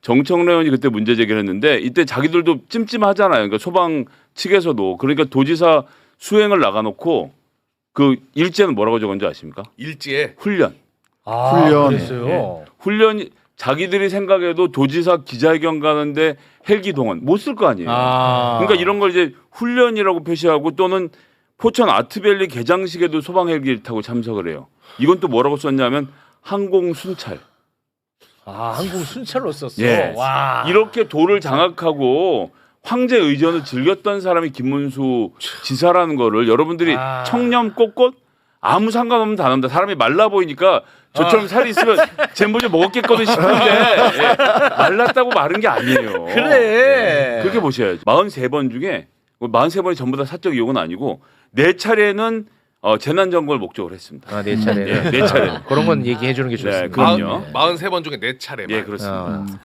정청래 의원이 그때 문제 제기를 했는데 이때 자기들도 찜찜하잖아요. 그러니까 소방 측에서도. 그러니까 도지사 수행을 나가놓고 그 일제는 뭐라고 적은지 아십니까? 일지에 훈련. 훈련. 그랬어요. 네. 훈련이 자기들이 생각해도 도지사 기자회견 가는데 헬기 동원 못 쓸 거 아니에요. 그러니까 이런 걸 이제 훈련이라고 표시하고 또는 포천 아트밸리 개장식에도 소방 헬기를 타고 참석을 해요. 이건 또 뭐라고 썼냐면 항공 순찰. 항공 순찰로 썼어. 예. 와. 이렇게 도를 장악하고 황제 의전을 즐겼던 사람이 김문수 지사라는 거를 여러분들이 청렴 꼿꼿 아무 상관없는 단어입니다. 사람이 말라 보이니까 저처럼 살이 있으면 젠보제 먹었겠거든 싶은데 예. 말랐다고 마른 게 아니에요. 그래. 그렇게 보셔야죠. 43번 중에 43번이 전부 다 사적 이용은 아니고 4차례는 재난점검을 목적으로 했습니다. 네 차례. 네 차례. 그런 건 얘기해 주는 게 좋습니다. 네, 그럼요. 43번 중에 4차례만. 예, 그렇습니다.